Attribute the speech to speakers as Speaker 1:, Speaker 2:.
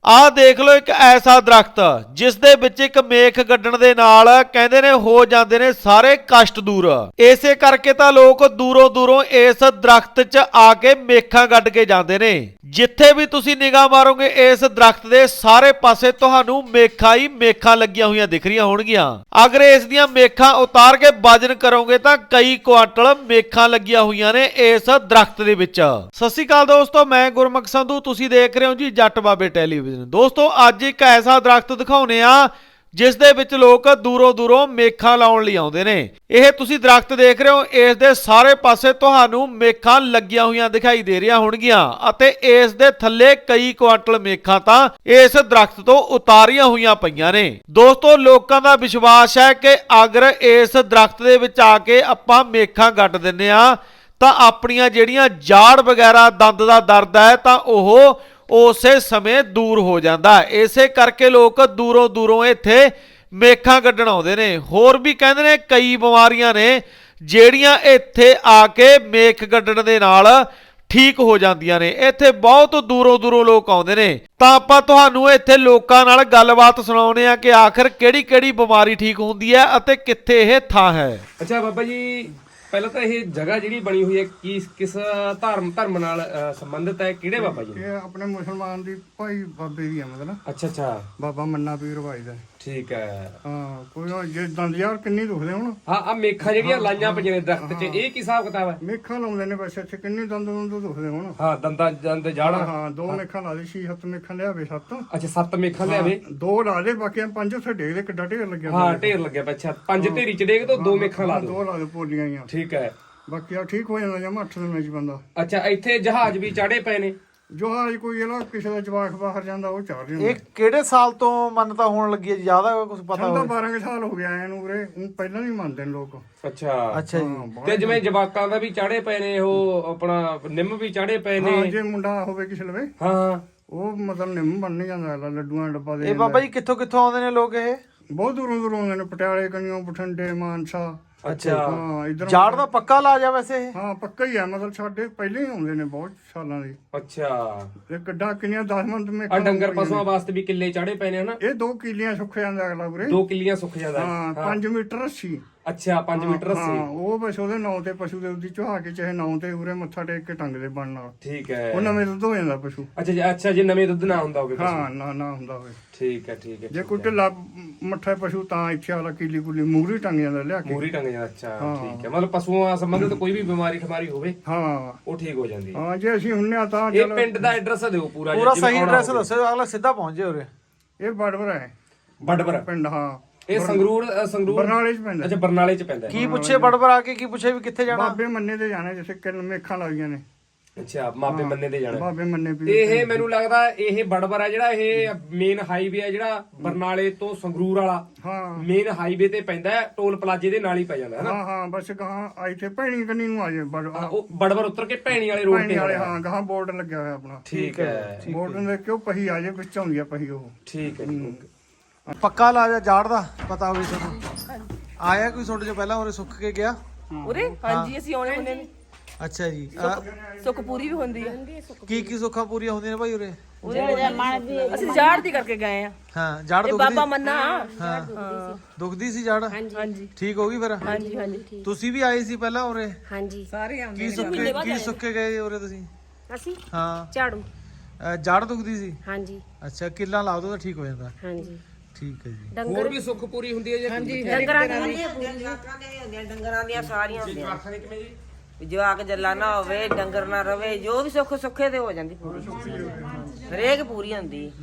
Speaker 1: ਆਹ ਦੇਖ ਲਓ ਇੱਕ ਐਸਾ ਦਰਖਤ ਜਿਸ ਦੇ ਵਿੱਚ ਇੱਕ ਮੇਖ ਗੱਡਣ ਦੇ ਨਾਲ ਕਹਿੰਦੇ ਨੇ ਹੋ ਜਾਂਦੇ ਨੇ ਸਾਰੇ ਕਸ਼ਟ ਦੂਰ। ਇਸੇ ਕਰਕੇ ਤਾਂ ਲੋਕ ਦੂਰੋਂ ਦੂਰੋਂ ਇਸ ਦਰਖਤ 'ਚ ਆ ਕੇ ਮੇਖਾਂ ਗੱਡ ਕੇ ਜਾਂਦੇ ਨੇ। ਜਿੱਥੇ ਵੀ ਤੁਸੀਂ ਨਿਗਾਹ ਮਾਰੋਗੇ ਇਸ ਦਰਖਤ ਦੇ ਸਾਰੇ ਪਾਸੇ ਤੁਹਾਨੂੰ ਮੇਖਾਂ ਹੀ ਮੇਖਾਂ ਲੱਗੀਆਂ ਹੋਈਆਂ ਦਿਖ ਰਹੀਆਂ ਹੋਣਗੀਆਂ। ਅਗਰ ਇਸ ਦੀਆਂ ਮੇਖਾਂ ਉਤਾਰ ਕੇ ਵਜਨ ਕਰੋਗੇ ਤਾਂ ਕਈ ਕੁਆਂਟਲ ਮੇਖਾਂ ਲੱਗੀਆਂ ਹੋਈਆਂ ਨੇ ਇਸ ਦਰਖਤ ਦੇ ਵਿੱਚ। ਸਤਿ ਸ਼੍ਰੀ ਅਕਾਲ ਦੋਸਤੋ, ਮੈਂ ਗੁਰਮੁਖ ਸੰਧੂ, ਤੁਸੀਂ ਦੇਖ ਰਹੇ ਹੋ ਜੀ ਜੱਟ ਬਾਬੇ ਟੈਲੀਵਿਜ਼ਨ। ਦੋਸਤੋ ਅੱਜ ਇੱਕ ਐਸਾ ਦਰਖਤ ਦਿਖਾਉਨੇ ਆ ਜਿਸ ਦੇ ਵਿੱਚ ਲੋਕ ਦੂਰੋਂ ਦੂਰੋਂ ਮੇਖਾਂ ਲਾਉਣ ਲਈ ਆਉਂਦੇ ਨੇ। ਇਹ ਤੁਸੀਂ ਦਰਖਤ ਦੇਖ ਰਹੇ ਹੋ, ਇਸ ਦੇ ਸਾਰੇ ਪਾਸੇ ਤੁਹਾਨੂੰ ਮੇਖਾਂ ਲੱਗੀਆਂ ਹੋਈਆਂ ਦਿਖਾਈ ਦੇ ਰਹੀਆਂ ਹੋਣਗੀਆਂ ਅਤੇ ਇਸ ਦੇ ਥੱਲੇ ਕਈ ਕੁਆਂਟਲ ਮੇਖਾਂ ਤਾਂ ਇਸ ਦਰਖਤ ਤੋਂ ਉਤਾਰੀਆਂ ਹੋਈਆਂ ਪਈਆਂ ਨੇ। ਦੋਸਤੋ ਲੋਕਾਂ ਦਾ ਵਿਸ਼ਵਾਸ ਹੈ ਕਿ ਅਗਰ ਇਸ ਦਰਖਤ ਦੇ ਵਿੱਚ ਆ ਕੇ ਆਪਾਂ ਮੇਖਾਂ ਗੱਡ ਦਿੰਨੇ ਆ ਤਾਂ ਆਪਣੀਆਂ ਜਿਹੜੀਆਂ ਜਾੜ ਵਗੈਰਾ ਦੰਦ ਦਾ ਦਰਦ ਹੈ ਤਾਂ ਉਹ ਉਸੇ ਸਮੇਂ ਦੂਰ ਹੋ ਜਾਂਦਾ। ਇਸੇ ਕਰਕੇ ਲੋਕ ਦੂਰੋਂ ਦੂਰੋਂ ਇੱਥੇ ਮੇਖਾਂ ਕੱਢਣ ਆਉਂਦੇ ਨੇ। ਹੋਰ ਵੀ ਕਹਿੰਦੇ ਨੇ ਕਈ ਬਿਮਾਰੀਆਂ ਨੇ ਜਿਹੜੀਆਂ ਇੱਥੇ ਆ ਕੇ ਮੇਖ ਕੱਢਣ ਦੇ ਨਾਲ ਠੀਕ ਹੋ ਜਾਂਦੀਆਂ ਨੇ। ਇੱਥੇ ਬਹੁਤ ਦੂਰੋਂ ਦੂਰੋਂ ਲੋਕ ਆਉਂਦੇ ਨੇ ਤਾਂ ਆਪਾਂ ਤੁਹਾਨੂੰ ਇੱਥੇ ਲੋਕਾਂ ਨਾਲ ਗੱਲਬਾਤ ਸੁਣਾਉਂਦੇ ਆ ਕਿ ਆਖਰ ਕਿਹੜੀ ਕਿਹੜੀ ਬਿਮਾਰੀ ਠੀਕ ਹੁੰਦੀ ਹੈ ਅਤੇ ਕਿੱਥੇ ਇਹ ਥਾਂ ਹੈ।
Speaker 2: ਅੱਛਾ ਬਾਬਾ ਜੀ, ਪਹਿਲਾਂ ਤਾਂ ਇਹ ਜਗ੍ਹਾ ਜਿਹੜੀ ਬਣੀ ਹੋਈ ਹੈ ਕਿਸ ਧਰਮ ਨਾਲ ਸੰਬੰਧਿਤ ਹੈ? ਕਿਹੜੇ ਬਾਬਾ ਜੀ?
Speaker 3: ਇਹ ਆਪਣੇ ਮੁਸਲਮਾਨ ਦੀ ਭਾਈ ਬਾਬੇ ਦੀ ਹੈ, ਮਤਲਬ
Speaker 2: ਅੱਛਾ ਅੱਛਾ,
Speaker 3: ਬਾਬਾ ਮੰਨਾ ਪੀਰ ਭਾਈ ਦਾ।
Speaker 2: ਠੀਕ ਹੈ।
Speaker 3: ਹਾਂ, ਕੋਈ ਜੇ ਦੰਦ ਯਾਰ ਕਿੰਨੀ ਦੁਖਦੇ ਹੁਣ।
Speaker 2: ਹਾਂ ਆ ਮੇਖਾਂ ਜਿਹੜੀਆਂ ਲਾਈਆਂ ਪਈਆਂ ਨੇ ਦਰਖਤ 'ਚ, ਇਹ ਕੀ ਹਿਸਾਬ ਕਿਤਾਬ ਹੈ?
Speaker 3: ਮੇਖਾਂ ਲਾਉਂਦੇ ਨੇ ਬਸ ਇੱਥੇ, ਕਿੰਨੀ ਦੰਦ ਦੁਖਦੇ ਹੁਣ।
Speaker 2: ਹਾਂ ਦੰਦ ਜਾੜਾ।
Speaker 3: ਹਾਂ, ਦੋ ਮੇਖਾਂ ਲਾ ਦੇ, 6-7 ਮੇਖਾਂ ਲਿਆਵੇ, 7।
Speaker 2: ਅੱਛਾ 7 ਮੇਖਾਂ ਲਿਆਵੇ, 2
Speaker 3: ਲਾ ਦੇ, ਬਾਕੀ 5 ਉੱਥੇ ਡੇਗ ਦੇ, ਕਿੱਡਾ ਢੇਰ ਲੱਗਿਆ।
Speaker 2: ਹਾਂ ਢੇਰ ਲੱਗਿਆ ਪਿਆ। ਅੱਛਾ 5 ਢੇਰੀ ਚ ਡੇਗ ਤੋਂ 2 ਮੇਖਾਂ ਲਾ ਦੋ।
Speaker 3: 2 ਲਾ ਦੇ ਪੋਲੀਆਂ ਹੀ।
Speaker 2: ਠੀਕ ਹੈ।
Speaker 3: ਬਾਕੀ ਆ ਠੀਕ ਹੋ ਜਾਂਦਾ ਜਾਂ 8 ਦਿਨਾਂ ਚ ਬੰਦਾ।
Speaker 2: ਅੱਛਾ ਇੱਥੇ ਜਹਾਜ਼ ਵੀ ਚਾੜੇ ਪਏ ਨੇ।
Speaker 3: ਜਹਾਜ਼ ਕੋਈ ਇਹਦਾ ਕਿਸੇ ਦਾ ਜਵਾਕ ਬਾਹਰ ਜਾਂਦਾ ਉਹ ਚਾੜ ਜਾਂਦਾ।
Speaker 1: ਇਹ ਕਿਹੜੇ ਸਾਲ ਤੋਂ ਮੰਨਤਾ ਹੋਣ ਲੱਗੀ ਹੈ? ਜ਼ਿਆਦਾ ਕੁਝ ਪਤਾ
Speaker 3: ਸਾਨੂੰ ਤਾਂ 12 ਕੁ ਸਾਲ ਹੋ ਗਿਆ ਇਹਨੂੰ ਵੀਰੇ, ਪਹਿਲਾਂ ਨਹੀਂ ਮੰਨਦੇ ਨੇ ਲੋਕ।
Speaker 2: ਅੱਛਾ
Speaker 1: ਅੱਛਾ ਜੀ।
Speaker 2: ਤੇ ਜਿਵੇਂ ਜਵਾਕਾਂ ਦਾ ਵੀ ਚਾੜੇ ਪਏ ਨੇ, ਉਹ ਆਪਣਾ ਨਿੰਮ ਵੀ ਚਾੜੇ ਪਏ
Speaker 3: ਹਾਂ,
Speaker 2: ਨੇ।
Speaker 3: ਜੇ ਮੁੰਡਾ ਹੋਵੇ ਕਿਸੇ ਲਵੇ
Speaker 2: ਹਾਂ
Speaker 3: ਉਹ ਮਤਲਬ ਨਿੰਮ ਬਣ ਨਹੀਂ ਜਾਂਦਾ, ਲੱਡੂਆਂ ਦਾ ਡੱਬਾ ਦੇ।
Speaker 1: ਇਹ ਬਾਬਾ ਜੀ ਕਿੱਥੋਂ ਕਿੱਥੋਂ ਆਉਂਦੇ ਨੇ ਲੋਕ? ਇਹ
Speaker 3: ਬਹੁਤ ਦੂਰੋਂ ਦੂਰੋਂ ਆਉਂਦੇ ਨੇ, ਪਟਿਆਲੇ ਕਨੀਓ, ਬਠਿੰਡੇ, ਮਾਨਸਾ।
Speaker 2: ਅੱਛਾ
Speaker 3: ਹਾਂ ਇਧਰ
Speaker 1: ਜਾੜ ਦਾ ਪੱਕਾ ਇਲਾਜ ਆ ਵੈਸੇ ਇਹ?
Speaker 3: ਹਾਂ ਪੱਕਾ ਹੀ ਆ, ਮਤਲਬ ਸਾਡੇ ਪਹਿਲੇ ਹੀ ਆਉਂਦੇ ਨੇ ਬਹੁਤ ਸਾਲਾਂ ਦੇ।
Speaker 2: ਅੱਛਾ
Speaker 3: ਇਹ ਕਿੱਡਾ ਕਿੰਨੀਆਂ 10 ਮਿੰਟ ਮੇ
Speaker 2: ਆ ਡੰਗਰ ਪਸ਼ੂਆਂ ਵਾਸਤੇ ਵੀ ਕਿੱਲੇ ਚਾੜੇ ਪਏ ਨੇ ਹਨਾ?
Speaker 3: ਇਹ 2 ਕਿੱਲੀਆਂ ਸੁੱਕ ਜਾਂਦਾ ਅਗਲਾ ਵੀਰੇ।
Speaker 2: 2 ਕਿੱਲੀਆਂ ਸੁੱਕ ਜਾਂਦਾ।
Speaker 3: ਹਾਂ 5 ਮੀਟਰ ਰੱਸੀ।
Speaker 2: ਅੱਛਾ 5 ਮੀਟਰ
Speaker 3: ਹਾਂ,
Speaker 2: ਰੱਸੀ।
Speaker 3: ਉਹ ਬਸ ਉਹਦੇ ਨਾਂ ਤੇ ਪਸ਼ੂ ਦੇ ਉੱਦੀ ਚੁਹਾ ਕੇ ਚਾਹੇ ਨਾਂ ਤੇ ਉਰੇ ਮੱਥਾ ਟੇਕ ਕੇ ਟੰਗ ਦੇ ਬਣ ਨਾਲ।
Speaker 2: ਠੀਕ ਹੈ।
Speaker 3: ਉਹ ਨਵੇਂ ਦੁੱਧ ਹੋ ਜਾਂਦਾ ਪਸ਼ੂ।
Speaker 2: ਅੱਛਾ ਜੇ ਨਵੇਂ ਦੁੱਧ ਨਾ ਹੁੰਦਾ ਹੋਵੇ।
Speaker 3: ਹਾਂ ਨਾ ਹੁੰਦਾ ਹੋਵੇ।
Speaker 2: ਠੀਕ ਹੈ ਠੀਕ ਹੈ।
Speaker 3: ਜੇ ਕੋਈ ਢਿੱਲਾ ਮੱਠਾ ਪਸ਼ੂ ਤਾਂ ਇੱਥੇ ਵਾਲਾ ਕੀਲੀ ਕੁਲੀ ਮੂਰੀ ਟੰਗ ਜਾਂਦਾ ਲਿਆ ਕੇ।
Speaker 2: ਮੂਰੀ ਟੰਗ ਜਾਂਦਾ। ਅੱਛਾ ਠੀਕ ਹੈ, ਮਤਲਬ ਪਸ਼ੂਆਂ ਸੰਬੰਧਿਤ ਕੋਈ ਵੀ ਬਿਮਾਰੀ ਠਮਾਰੀ ਹੋਵੇ
Speaker 3: ਹਾਂ
Speaker 2: ਉਹ ਠੀਕ ਹੋ ਜਾਂਦੀ ਹੈ।
Speaker 3: ਹਾਂ, ਜੇ ਅਸੀਂ ਹੁੰਨੇ ਆ ਤਾਂ
Speaker 2: ਇਹ ਪਿੰਡ ਦਾ ਐਡਰੈਸ ਦਿਓ ਪੂਰਾ
Speaker 1: ਸਹੀ ਐਡਰੈਸ ਦੱਸੋ, ਅਗਲਾ ਸਿੱਧਾ ਪਹੁੰਚ ਜਾਏ ਉਰੇ।
Speaker 3: ਇਹ ਬੜਵਰ ਹੈ,
Speaker 2: ਬੜਬਰ
Speaker 3: ਪਿੰਡ। ਹਾਂ
Speaker 2: ਇਹ ਸੰਗਰੂਰ
Speaker 3: ਬਰਨਾਲੇ ਚ ਪੈਂਦਾ।
Speaker 2: ਅੱਛਾ ਬਰਨਾਲੇ ਚ ਪੈਂਦਾ।
Speaker 1: ਕੀ ਪੁੱਛੇ ਬੜਬੜ ਆ ਕੇ? ਕੀ ਪੁੱਛੇ ਵੀ ਕਿੱਥੇ ਜਾਣਾ?
Speaker 3: ਬਾਬੇ ਮੰਨੇ ਤੇ ਜਾਣਾ, ਜਿੱਥੇ ਕਿੰਨ ਮੇਖਾਂ ਲੱਗੀਆਂ ਨੇ।
Speaker 2: ਅੱਛਾ ਮਾਪੇ ਮੰਨੇ ਤੇ ਜਾਣਾ।
Speaker 3: ਬਾਬੇ ਮੰਨੇ ਵੀ
Speaker 2: ਇਹ ਮੈਨੂੰ ਲੱਗਦਾ ਇਹ ਬੜਬਰ ਹੈ ਜਿਹੜਾ, ਇਹ ਮੇਨ ਹਾਈਵੇ ਹੈ ਜਿਹੜਾ ਬਰਨਾਲੇ ਤੋਂ ਸੰਗਰੂਰ ਵਾਲਾ।
Speaker 3: ਹਾਂ
Speaker 2: ਮੇਨ ਹਾਈਵੇ ਤੇ ਪੈਂਦਾ ਹੈ, ਟੋਲ ਪਲਾਜ਼ੇ ਦੇ ਨਾਲ ਹੀ ਪੈ ਜਾਂਦਾ ਹੈ ਨਾ?
Speaker 3: ਹਾਂ ਬਸ ਗਾਂ ਆਈ ਤੇ ਭੈਣੀ ਕੰਨੀ ਨੂੰ ਆ ਜਾਏ
Speaker 2: ਉਹ ਬੜਬਰ ਉਤਰ ਕੇ ਭੈਣੀ ਵਾਲੇ ਰੋਡ
Speaker 3: ਭੈਣੀ
Speaker 2: ਤੇ।
Speaker 3: ਵਾਲੇ। ਹਾਂ ਗਾਂ ਬੋਰਡ ਲੱਗਿਆ ਹੋਇਆ ਆਪਣਾ।
Speaker 2: ਠੀਕ ਹੈ
Speaker 3: ਬੋਰਡ ਦੇ ਕਿਉਂ ਪਹੀ ਆ ਜਾਏ, ਵਿੱਚ ਆਉਂਦੀ ਆ ਪਹੀ ਉਹ।
Speaker 2: ਠੀਕ ਹੈ ਜੀ।
Speaker 1: ਪੱਕਾ ਇਲਾਜ ਆ ਜਾੜ ਦਾ? ਪਤਾ ਹੋਵੇ ਤੁਹਾਨੂੰ? ਆਇਆ ਕੋਈ ਤੁਹਾਡੇ ਚੋਂ ਪਹਿਲਾਂ ਉਰੇ ਸੁੱਕ ਕੇ ਗਿਆ?
Speaker 4: ਉਰੇ ਹਾਂਜੀ ਅਸੀਂ ਆਉਣੇ ਹੁੰਦੇ ਨੇ।
Speaker 1: ਅੱਛਾ ਜੀ।
Speaker 4: ਸੁੱਖ ਪੂਰੀ ਵੀ ਹੁੰਦੀ ਹੈ।
Speaker 1: ਕੀ ਕੀ ਸੁੱਖਾਂ ਪੂਰੀਆਂ ਹੁੰਦੀਆਂ ਨੇ ਭਾਈ ਉਰੇ?
Speaker 4: ਅਸੀਂ ਜਾੜ ਦੀ ਕਰਕੇ ਗਏ ਆ।
Speaker 1: ਹਾਂ ਜਾੜ
Speaker 4: ਇਹ
Speaker 1: ਦੁਖਦੀ?
Speaker 4: ਬਾਬਾ ਮੰਨਾ।
Speaker 1: ਹਾਂ ਦੁਖਦੀ ਸੀ ਜਾੜ?
Speaker 4: ਹਾਂਜੀ
Speaker 1: ਠੀਕ ਹੋ ਗਈ ਫਿਰ?
Speaker 4: ਹਾਂਜੀ ਹਾਂਜੀ।
Speaker 1: ਤੁਸੀਂ ਵੀ ਆਏ ਸੀ ਪਹਿਲਾਂ ਉਰੇ?
Speaker 5: ਹਾਂਜੀ ਸਾਰੇ
Speaker 1: ਕੀ ਸੁੱਕੇ ਗਏ ਉਰੇ ਤੁਸੀਂ?
Speaker 5: ਅਸੀਂ
Speaker 1: ਹਾਂ
Speaker 5: ਝਾੜੂ।
Speaker 1: ਜਾੜ ਦੁਖਦੀ ਸੀ?
Speaker 5: ਹਾਂਜੀ
Speaker 1: ਅੱਛਾ ਕਿੱਲਾ ਲਾ ਦੋ ਤਾਂ ਠੀਕ ਹੋ ਜਾਂਦਾ।
Speaker 5: ਹਾਂਜੀ
Speaker 1: ਠੀਕ ਹੈ ਜੀ।
Speaker 2: ਹੋਰ ਵੀ ਸੁੱਖ ਪੂਰੀ ਹੁੰਦੀ ਹੈ ਜੀ?
Speaker 5: ਡੰਗਰਾਂ ਦੀ
Speaker 6: ਡੰਗਰਾਂ ਦੀਆਂ ਸਾਰੀਆਂ ਹੁੰਦੀਆਂ।
Speaker 2: ਜਵਾਕਾਂ ਦੀ ਕਿਵੇਂ ਜੀ?
Speaker 6: ਜਵਾਕ ਜੱਲਾ ਨਾ ਹੋਵੇ, ਡੰਗਰ ਨਾ ਰਵੇ, ਜੋ ਵੀ ਸੁੱਖ ਸੁੱਖੇ ਤੇ ਹੋ ਜਾਂਦੀ ਪੂਰੀ। ਹਰੇਕ ਪੂਰੀ ਹੁੰਦੀ।